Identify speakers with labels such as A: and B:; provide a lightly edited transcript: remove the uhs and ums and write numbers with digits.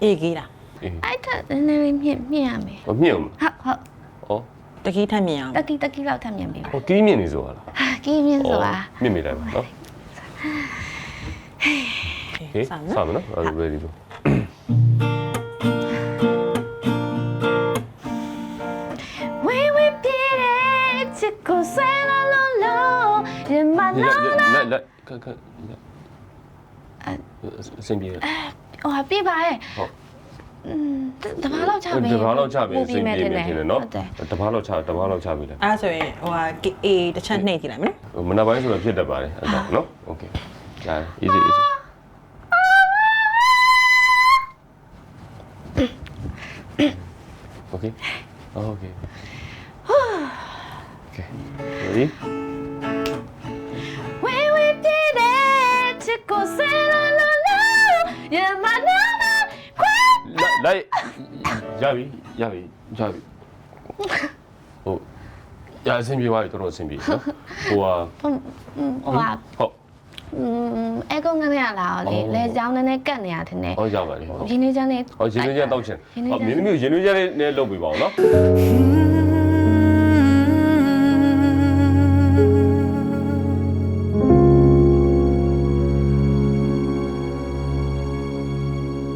A: အေးကြီးလား
B: အဲ့ဒါနည်းနည်းမြင့်ရမယ်
C: ဟောမြင့်အောင်
B: ဟုတ်
C: ဩ
A: တကီးထက်မြင်အောင်
B: တကီလောက်ထပ်မြင့်ပြီ
C: ဟောကီးမြင့်နေဆိုတာလား
B: ကီးမြင့်ဆိုတာ
C: မြင့်မိလိုက်ပါနော်ဟေးစမယ်နော်အဲ့ဒါ ready လို့
B: ဝေးဝေးပြေးတဲ့ချစ်ကိုဆွဲလို့ရမနာ
C: လက်ခက်အစင်ပြေ
B: ဟိုပြေးပါရဲ့
C: ဟုတ်
B: တဘာလောက်ချပြီ
C: တဘာလောက်ချပြီအစင်ပြေနေတယ်နော်တဘာလောက်ချပြီလေ
A: အဲ့ဆိုရင်ဟိုဟာအေးတစ်ချက်နှိပ်ကြည့်လိုက်မယ်နော်
C: မနက်ပိုင်းဆိုတော့ဖြစ်တတ်ပါတယ်အဲ့ဒါနော် okay ကြာ easy okay okay ready
B: ဝေးဝေးပြေးတဲ့ချစ်ကိုဆွဲလို့ရမနာခွဲ
C: လိုက်ရပြီဟုတ်ရအဆင်ပြေသွားပြီတော်တော်အဆင်ပြေနော်ဟိုဟာ
B: ဟိုဟာ
C: ဟုတ်
B: အဲကုန်းကနေရလာလေလဲချောင်းနဲ့ကတ်နေရတဲ့နဲ့
C: ဟောရပါတယ်ဟုတ်
B: ရင်းနေချမ်းလေး
C: ဟောရင်းနှီးချမ်းတောက်ချင်ဟောမင်းသမီးကိုရင်းနှီးချမ်းလေးနဲ့လုပ်ပေးပါဦးနော်